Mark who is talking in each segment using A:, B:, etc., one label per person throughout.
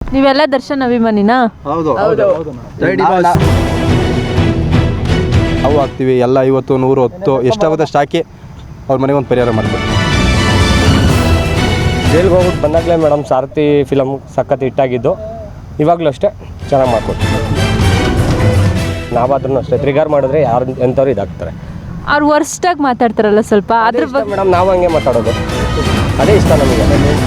A: ನೀವೆಲ್ಲ ದರ್ಶನ್ ಅಭಿಮಾನಿನಾ?
B: ಹೌದು. ನಾವು ಹಾಕ್ತೀವಿ ಎಲ್ಲ 50, 100, 10 ಎಷ್ಟಾಗುತ್ತೆ ಅಷ್ಟು ಹಾಕಿ ಅವ್ರ ಮನೆಗೆ ಒಂದು ಪರಿಹಾರ ಮಾಡ್ತೀವಿ.
C: ಜೈಲ್ಗೆ ಹೋಗ್ಬಿಟ್ಟು ಬಂದಾಗಲೇ ಮೇಡಮ್ ಸಾರಥಿ ಫಿಲಮ್ ಸಖತ್ ಹಿಟ್ಟಾಗಿದ್ದು. ಇವಾಗಲೂ ಅಷ್ಟೇ ಚೆನ್ನಾಗಿ ಮಾಡ್ಕೊಡ್ತೀವಿ. ನಾವಾದ್ರೂ ಅಷ್ಟೇ ಟ್ರಿಗರ್ ಮಾಡಿದ್ರೆ ಯಾರು ಎಂಥವ್ರು ಇದಾಗ್ತಾರೆ.
A: ಅವ್ರು ವರ್ಸ್ಟಾಗಿ ಮಾತಾಡ್ತಾರಲ್ಲ ಸ್ವಲ್ಪ, ಅದ್ರ ಬಗ್ಗೆ
C: ಮೇಡಮ್ ನಾವು ಹಂಗೆ ಮಾತಾಡೋದು, ಅದೇ ಇಷ್ಟ ನಮಗೆ.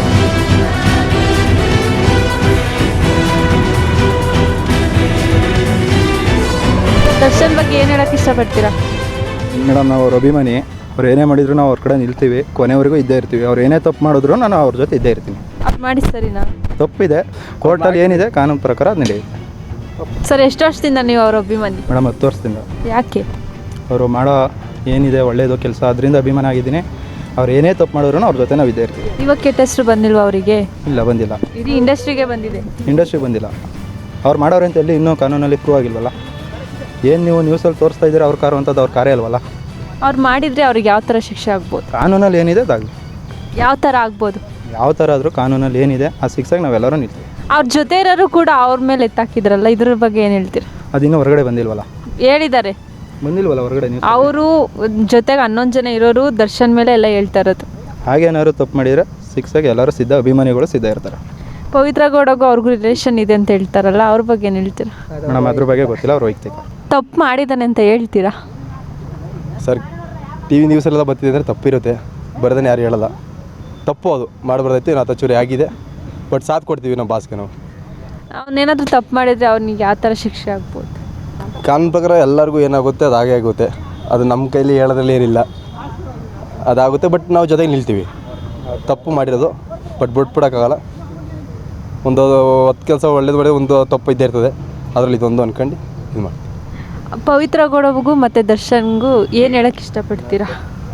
A: ದರ್ಶನ್ ಬಗ್ಗೆ ಏನು ಹೇಳೋಕ್ಕೆ ಇಷ್ಟಪಡ್ತೀರಾ?
B: ಮೇಡಮ್ ನಾವು ಅವ್ರ ಅಭಿಮಾನಿ. ಅವ್ರು ಏನೇ ಮಾಡಿದ್ರು ನಾವು ಅವ್ರ ಕಡೆ ನಿಲ್ತೀವಿ, ಕೊನೆವರೆಗೂ ಇದ್ದೇ ಇರ್ತೀವಿ. ಅವ್ರು ಏನೇ ತಪ್ಪು ಮಾಡಿದ್ರು ನಾನು ಅವ್ರ ಜೊತೆ ಇದ್ದೇ ಇರ್ತೀನಿ.
A: ಅದು ಮಾಡಿ ಸರಿನಾ?
B: ತಪ್ಪಿದೆ, ಕೋರ್ಟಲ್ಲಿ ಏನಿದೆ ಕಾನೂನು ಪ್ರಕಾರ ಅದು ನಡೆಯುತ್ತೆ.
A: ಸರ್, ಎಷ್ಟು ವರ್ಷದಿಂದ ನೀವು ಅವ್ರ ಅಭಿಮಾನಿ?
B: ಮೇಡಮ್ 10 ವರ್ಷದಿಂದ.
A: ಯಾಕೆ?
B: ಅವರು ಮಾಡೋ ಏನಿದೆ ಒಳ್ಳೆಯದು ಕೆಲಸ, ಅದರಿಂದ ಅಭಿಮಾನ ಆಗಿದ್ದೀನಿ. ಅವ್ರು ಏನೇ ತಪ್ಪು ಮಾಡಿದ್ರು ಅವ್ರ ಜೊತೆ ನಾವು ಇದ್ದೇ ಇರ್ತೀವಿ.
A: ಇವಾಗ ಕೆಟ್ಟ ಹೆಸರು ಬಂದಿಲ್ವಾ ಅವರಿಗೆ?
B: ಇಲ್ಲ, ಬಂದಿಲ್ಲ.
A: ಇಡೀ ಇಂಡಸ್ಟ್ರಿಗೆ ಬಂದಿದೆ.
B: ಇಂಡಸ್ಟ್ರಿಗೆ ಬಂದಿಲ್ಲ. ಅವ್ರು ಮಾಡೋರು ಅಂತ ಎಲ್ಲಿ ಇನ್ನೂ ಕಾನೂನಲ್ಲಿ ಪ್ರೂವ್ ಆಗಿಲ್ವಲ್ಲ. ಏನು ನೀವು ನ್ಯೂಸಲ್ಲಿ ತೋರಿಸ್ತಾ ಇದ್ದೀರಾ ಅವ್ರ ಕಾರು ಅಂತದ್ದು, ಅವ್ರ ಕಾರ್ಯ ಅಲ್ವಲ್ಲ.
A: ಅವ್ರು ಮಾಡಿದರೆ ಅವ್ರಿಗೆ ಯಾವ ಥರ ಶಿಕ್ಷೆ ಆಗ್ಬೋದು?
B: ಕಾನೂನಲ್ಲಿ ಏನಿದೆ ಅದಾಗಲಿ.
A: ಯಾವ ಥರ ಆಗ್ಬೋದು?
B: ಯಾವ ಥರ ಆದರೂ ಕಾನೂನಲ್ಲಿ ಏನಿದೆ ಆ ಶಿಕ್ಷೆಗೆ ನಾವೆಲ್ಲರೂ ನಿಲ್ತೀವಿ.
A: ಅವ್ರ ಜೊತೆ ಇರೋರು ಕೂಡ ಅವ್ರ ಮೇಲೆ ಎತ್ತಾಕಿದ್ರಲ್ಲ, ಇದ್ರ ಬಗ್ಗೆ ಏನು ಹೇಳ್ತೀರಾ?
B: ಅದಿನ್ನೂ ಹೊರಗಡೆ ಬಂದಿಲ್ವಲ್ಲ.
A: ಹೇಳಿದ್ದಾರೆ,
B: ಬಂದಿಲ್ವಲ್ಲ ಹೊರಗಡೆ. ನೀವು
A: ಅವರು ಜೊತೆಗೆ 11 ಜನ ಇರೋರು ದರ್ಶನ್ ಮೇಲೆ ಎಲ್ಲ ಹೇಳ್ತಾ ಇರೋದು.
B: ಹಾಗೇನಾದ್ರು ತಪ್ಪು ಮಾಡಿದರೆ ಶಿಕ್ಷೆಗೆ ಎಲ್ಲರೂ ಸಿದ್ಧ, ಅಭಿಮಾನಿಗಳು ಸಿದ್ಧ ಇರ್ತಾರೆ.
A: ಪವಿತ್ರ ಗೌಡಗೂ ಅವ್ರಿಗೂ ರಿಲೇಷನ್ ಇದೆ ಅಂತ ಹೇಳ್ತಾರಲ್ಲ, ಅವ್ರ ಬಗ್ಗೆ ಏನು ಹೇಳ್ತೀರಾ?
B: ಮೇಡಮ್ ಅದ್ರ ಬಗ್ಗೆ ಗೊತ್ತಿಲ್ಲ, ಅವ್ರು ವೈಯಕ್ತಿಕ.
A: ತಪ್ಪು ಮಾಡಿದ್ದಾನೆ ಅಂತ ಹೇಳ್ತೀರಾ?
B: ಸರ್, ಟಿ ವಿ ನ್ಯೂಸಲ್ಲೆಲ್ಲ ಬರ್ತಿದೆ ಅಂದರೆ ತಪ್ಪಿರುತ್ತೆ, ಬರೋದನ್ನು ಯಾರು ಹೇಳಲ್ಲ. ತಪ್ಪು ಅದು ಮಾಡಬಾರ್ದೈತಿ. ನಾವು ತಚ್ಚೂರಿ ಆಗಿದೆ, ಬಟ್ ಸಾಥ್ ಕೊಡ್ತೀವಿ ನಮ್ಮ ಬಾಸ್ಗೆ. ನಾವು
A: ಅವನೇನಾದರೂ ತಪ್ಪು ಮಾಡಿದರೆ ಅವ್ನಿಗೆ ಯಾವ ಥರ ಶಿಕ್ಷೆ ಆಗ್ಬೋದು?
B: ಕಾನೂನು ಪ್ರಕಾರ ಎಲ್ಲರಿಗೂ ಏನಾಗುತ್ತೆ ಅದು ಹಾಗೆ ಆಗುತ್ತೆ. ಅದು ನಮ್ಮ ಕೈಲಿ ಹೇಳೋದ್ರಲ್ಲಿ ಏನಿಲ್ಲ, ಅದಾಗುತ್ತೆ. ಬಟ್ ನಾವು ಜೊತೆಗೆ ನಿಲ್ತೀವಿ. ತಪ್ಪು ಮಾಡಿರೋದು ಬಟ್ ಬಿಟ್ಬಿಡೋಕ್ಕಾಗಲ್ಲ. ಒಂದು 10 ಕೆಲಸ ಒಳ್ಳೇದು ಮಾಡಿ ಒಂದು ತಪ್ಪು ಇದ್ದೇ ಇರ್ತದೆ, ಅದರಲ್ಲಿ ಇದೊಂದು ಅಂದ್ಕೊಂಡು ಇದು ಮಾಡ್ತೀವಿ.
A: ಪವಿತ್ರ ಗೌಡಗೂ ಮತ್ತು ದರ್ಶನ್ಗೂ ಏನು ಹೇಳೋಕ್ಕೆ ಇಷ್ಟಪಡ್ತೀರಾ?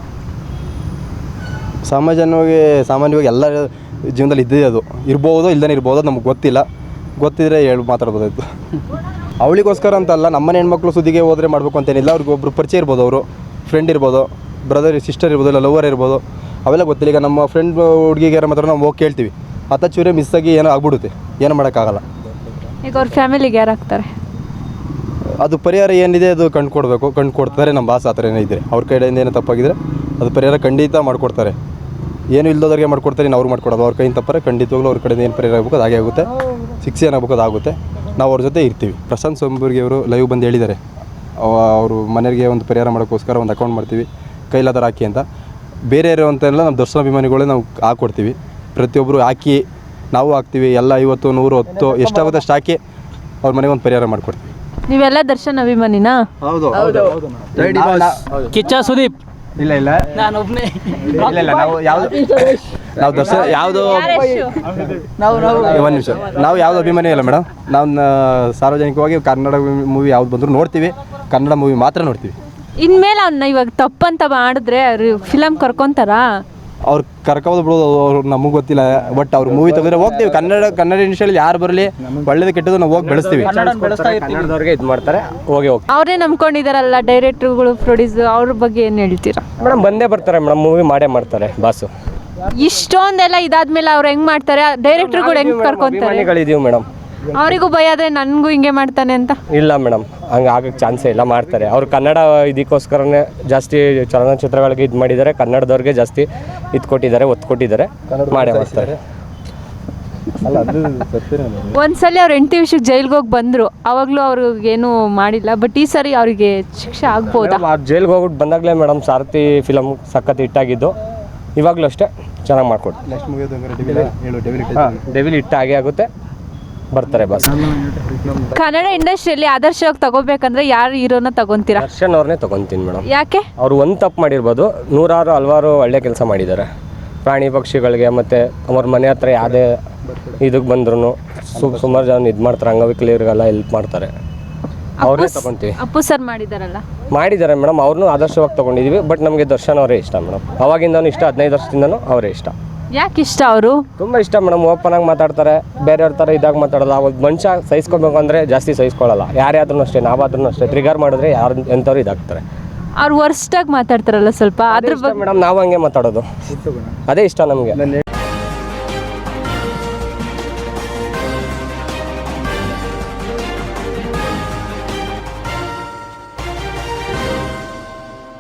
B: ಸಾಮಾನ್ಯವಾಗಿ ಎಲ್ಲ ಜೀವನದಲ್ಲಿ ಇದ್ದೇ ಅದು ಇರ್ಬೋದು, ಇಲ್ಲದೇ ಇರ್ಬೋದು, ನಮಗೆ ಗೊತ್ತಿಲ್ಲ. ಗೊತ್ತಿದ್ರೆ ಮಾತಾಡ್ಬೋದಾಯ್ತು. ಅವಳಿಗೋಸ್ಕರ ಅಂತಲ್ಲ, ನಮ್ಮನೆ ಹೆಣ್ಮಕ್ಳು ಸುದ್ದಿಗೆ ಹೋದರೆ ಮಾಡಬೇಕು ಅಂತೇನಿಲ್ಲ. ಅವ್ರಿಗೆ ಒಬ್ಬರು ಪರಿಚಯ ಇರ್ಬೋದು, ಅವರು ಫ್ರೆಂಡ್ ಇರ್ಬೋದು, ಬ್ರದರ್ ಸಿಸ್ಟರ್ ಇರ್ಬೋದು, ಇಲ್ಲ ಲವರ್ ಇರ್ಬೋದು, ಅವೆಲ್ಲ ಗೊತ್ತಿಲ್ಲ. ಈಗ ನಮ್ಮ ಫ್ರೆಂಡ್ ಹುಡುಗಿಗೆ ಯಾರು ಮಾತ್ರ ನಾವು ಹೋಗಿ ಕೇಳ್ತೀವಿ, ಚೂರೇ ಮಿಸ್ ಆಗಿ ಏನೋ ಆಗ್ಬಿಡುತ್ತೆ, ಏನೋ ಮಾಡೋಕ್ಕಾಗಲ್ಲ.
A: ಈಗ ಅವ್ರ ಫ್ಯಾಮಿಲಿಗೆ ಯಾರು ಆಗ್ತಾರೆ?
B: ಅದು ಪರಿಹಾರ ಏನಿದೆ ಅದು ಕಂಡು ಕೊಡ್ತಾರೆ ನಮ್ಮ ಬಾಸ್. ಆ ಥರ ಏನೋ ಇದ್ದರೆ ಅವ್ರ ಕಡೆಯಿಂದ ಏನೋ ತಪ್ಪಾಗಿದ್ರೆ ಅದು ಪರಿಹಾರ ಖಂಡಿತ ಮಾಡಿಕೊಡ್ತಾರೆ. ಏನು ಇಲ್ಲದವ್ರಿಗೆ ಮಾಡ್ಕೊಡ್ತಾರೆ, ಇನ್ನು ಅವ್ರು ಮಾಡ್ಕೊಡೋದು. ಅವ್ರ ಕೈಯಿಂದ ತಪ್ಪರೆ ಖಂಡಿತವಾಗ್ಲೂ ಅವ್ರ ಕಡೆಯಿಂದ ಏನು ಪರಿಹಾರ ಆಗಬೇಕು ಅದು ಹಾಗೆ ಆಗುತ್ತೆ. ಶಿಕ್ಷೆ ಏನಾಗಬೇಕು ಅದಾಗುತ್ತೆ. ನಾವು ಅವ್ರ ಜೊತೆ ಇರ್ತೀವಿ. ಪ್ರಶಾಂತ್ ಸೊಂಬೂರ್ಗಿ ಅವರು ಲೈವ್ ಬಂದು ಹೇಳಿದ್ದಾರೆ, ಅವರು ಮನೆಗೆ ಒಂದು ಪರಿಹಾರ ಮಾಡೋಕ್ಕೋಸ್ಕರ ಒಂದು ಅಕೌಂಟ್ ಮಾಡ್ತೀವಿ, ಕೈಲಾದರ ಹಾಕಿ ಅಂತ. ಬೇರೆ ಇರುವಂತೆಲ್ಲ ನಮ್ಮ ದರ್ಶನ ಅಭಿಮಾನಿಗಳೇ ನಾವು ಹಾಕ್ಕೊಡ್ತೀವಿ. ಪ್ರತಿಯೊಬ್ಬರು ಹಾಕಿ ನಾವು ಹಾಕ್ತೀವಿ. ಎಲ್ಲ 50, 100, 10 ಎಷ್ಟಾಗುತ್ತೆ ಅಷ್ಟು ಹಾಕಿ ಅವ್ರ ಮನೆಗೆ ಒಂದು ಪರಿಹಾರ ಮಾಡಿಕೊಡ್ತೀವಿ.
A: ನೀವೆಲ್ಲ ದರ್ಶನ್ ಅಭಿಮಾನಿನಾ?
B: ಹೌದು.
D: ಕಿಚ್ಚ ಸುದೀಪ್?
B: ಇಲ್ಲ,
D: ನಾನು ಒಬ್ಬನೇ.
B: ಇಲ್ಲ, ನಾವು ದರ್ಶನ ಯಾವುದು ಒಂದು ನಿಮಿಷ, ನಾವು ಯಾವುದು ಅಭಿಮಾನಿ ಇಲ್ಲ ಮೇಡಮ್. ನಾವು ಸಾರ್ವಜನಿಕವಾಗಿ ಕನ್ನಡ ಮೂವಿ ಯಾವ್ದು ಬಂದರೂ ನೋಡ್ತೀವಿ, ಕನ್ನಡ ಮೂವಿ ಮಾತ್ರ ನೋಡ್ತೀವಿ.
A: ಇನ್ಮೇಲೆ ಅವನ್ನ ಇವಾಗ ತಪ್ಪಂತ ಮಾಡಿದ್ರೆ ಅವ್ರು ಫಿಲಮ್ ಕರ್ಕೊಂತಾರಾ?
B: ಅವ್ರು ಕರ್ಕೋದು ಬಿಡೋದು ಅವ್ರು ನಮಗೆ ಗೊತ್ತಿಲ್ಲ. ಬಟ್ ಅವ್ರು ಮೂವಿ ತೆಗೆದ್ರೆ ಹೋಗ್ತೀವಿ. ಕನ್ನಡ ಇಂಡಸ್ಟ್ರಿಯಲ್ಲಿ ಯಾರು ಬರಲಿ, ಒಳ್ಳೇದು ಕೆಟ್ಟದ್ದು ನಾವು ಹೋಗಿ ಬೆಳೆಸ್ತೀವಿ.
C: ಕನ್ನಡದವ್ರಿಗೆ ಇದು ಮಾಡ್ತಾರೆ, ಹೋಗಿ
A: ಅವರೇ ನಂಬ್ಕೊಂಡಿದಾರಲ್ಲ ಡೈರೆಕ್ಟರ್ಗಳು, ಪ್ರೊಡ್ಯೂಸರ್, ಅವ್ರ ಬಗ್ಗೆ ಏನು ಹೇಳ್ತೀರಾ?
C: ಮೇಡಮ್ ಬಂದೇ ಬರ್ತಾರೆ ಮೇಡಮ್, ಮೂವಿ ಮಾಡೇ ಮಾಡ್ತಾರೆ ಬಾಸು.
A: ಇಷ್ಟೊಂದೆಲ್ಲ ಇದಾದ್ಮೇಲೆ ಅವ್ರು ಹೆಂಗ್ ಮಾಡ್ತಾರೆ? ಡೈರೆಕ್ಟರ್ಗಳು ಹೆಂಗ್ ಕರ್ಕೊಂತಾರೆ?
C: ಅಭಿಮಾನಿಗಳಿದೀವಿ ಮೇಡಮ್.
A: ಅವರಿಗೂ ಭಯ ಆದ್ರೆ ನನಗೂ ಹಿಂಗೆ ಮಾಡ್ತಾನೆ ಅಂತ?
C: ಇಲ್ಲ ಮೇಡಮ್, ಹಂಗೆ ಆಗಕ್ಕೆ ಚಾನ್ಸೇ ಇಲ್ಲ. ಮಾಡ್ತಾರೆ ಅವ್ರು. ಕನ್ನಡ ಇದಕ್ಕೋಸ್ಕರನೇ ಜಾಸ್ತಿ ಚಲನಚಿತ್ರಗಳಿಗೆ ಇದು ಮಾಡಿದ್ದಾರೆ. ಕನ್ನಡದವ್ರಿಗೆ ಜಾಸ್ತಿ ಇದು ಕೊಟ್ಟಿದ್ದಾರೆ, ಒತ್ತು ಕೊಟ್ಟಿದ್ದಾರೆ, ಮಾಡೇ ಮಾಡ್ತಾರೆ.
A: ಒಂದ್ಸಲಿ ಅವ್ರು 8 ವಿಷಯಕ್ಕೆ ಜೈಲ್ಗೆ ಹೋಗಿ ಬಂದರು, ಅವಾಗಲೂ ಅವ್ರಿಗೇನು ಮಾಡಿಲ್ಲ. ಬಟ್ ಈ ಸರಿ ಅವರಿಗೆ ಶಿಕ್ಷೆ ಆಗ್ಬೋದಾ?
C: ಜೈಲ್ಗೆ ಹೋಗ್ಬಿಟ್ಟು ಬಂದಾಗಲೇ ಮೇಡಮ್ ಸಾರಥಿ ಫಿಲಮ್ ಸಖತ್ ಹಿಟ್ಟಾಗಿದ್ದು. ಇವಾಗಲೂ ಅಷ್ಟೇ ಚೆನ್ನಾಗಿ ಮಾಡ್ಕೊಡ್ತೀವಿ. ಡೆವಿಲ್ ಹಿಟ್ ಆಗೇ ಆಗುತ್ತೆ, ಬರ್ತಾರೆ ಬಾಸ್.
A: ಕನ್ನಡ ಇಂಡಸ್ಟ್ರಿಯಲ್ಲಿ ಆದರ್ಶವಾಗಿ ತಗೋಬೇಕಂದ್ರೆ ಯಾರು ಹೀರೋನ ತಗೊಂತೀರಾ?
C: ದರ್ಶನ್ ಅವ್ರನ್ನೇ ತಗೊಂತೀನಿ ಮೇಡಮ್.
A: ಯಾಕೆ?
C: ಅವರು ಒಂದು ತಪ್ಪು ಮಾಡಿರ್ಬೋದು, ಹಲವಾರು ಒಳ್ಳೆ ಕೆಲಸ ಮಾಡಿದ್ದಾರೆ. ಪ್ರಾಣಿ ಪಕ್ಷಿಗಳಿಗೆ ಮತ್ತು ಅವ್ರ ಮನೆ ಹತ್ರ ಯಾವುದೇ ಇದಕ್ಕೆ ಬಂದ್ರೂ ಸುಮಾರು ಜನ ಇದು ಮಾಡ್ತಾರೆ, ಅಂಗವಿಕಲರಿಗೆಲ್ಲ ಹೆಲ್ಪ್ ಮಾಡ್ತಾರೆ. ಅವ್ರನ್ನೇ ತಗೊತೀವಿ.
A: ಅಪ್ಪು ಸರ್ ಮಾಡಿದ್ದಾರೆ
C: ಮೇಡಮ್, ಅವ್ರನ್ನೂ ಆದರ್ಶವಾಗಿ ತೊಗೊಂಡಿದ್ದೀವಿ. ಬಟ್ ನಮಗೆ ದರ್ಶನ್ ಅವರೇ ಇಷ್ಟ ಮೇಡಮ್. ಅವಾಗಿಂದನೂ ಇಷ್ಟ, 15 ವರ್ಷದಿಂದನೂ ಅವರೇ ಇಷ್ಟ.
A: ಯಾಕೆ ಇಷ್ಟ ಅವರು?
C: ತುಂಬ ಇಷ್ಟ ಮೇಡಮ್. ಓಪನ್ ಆಗಿ ಮಾತಾಡ್ತಾರೆ, ಬೇರೆಯವ್ರ ಥರ ಇದಾಗ ಮಾತಾಡೋಲ್ಲ. ಅವಾಗ ಮನುಷ್ಯ ಸಹಿಸ್ಕೋಬೇಕು ಅಂದರೆ ಜಾಸ್ತಿ ಸಹಿಸ್ಕೊಳ್ಳಲ್ಲ. ಯಾರೇ ಆದ್ರೂ ಅಷ್ಟೇ, ನಾವಾದ್ರೂ ಅಷ್ಟೇ ಟ್ರಿಗರ್ ಮಾಡಿದ್ರೆ ಯಾರು ಎಂಥವ್ರು ಇದಾಗ್ತಾರೆ.
A: ಅವ್ರು ವರ್ಸ್ಟಾಗಿ ಮಾತಾಡ್ತಾರಲ್ಲ ಸ್ವಲ್ಪ, ಅದ್ರ ಬಗ್ಗೆ
C: ಮೇಡಮ್ ನಾವು ಹಂಗೆ ಮಾತಾಡೋದು, ಅದೇ ಇಷ್ಟ ನಮಗೆ.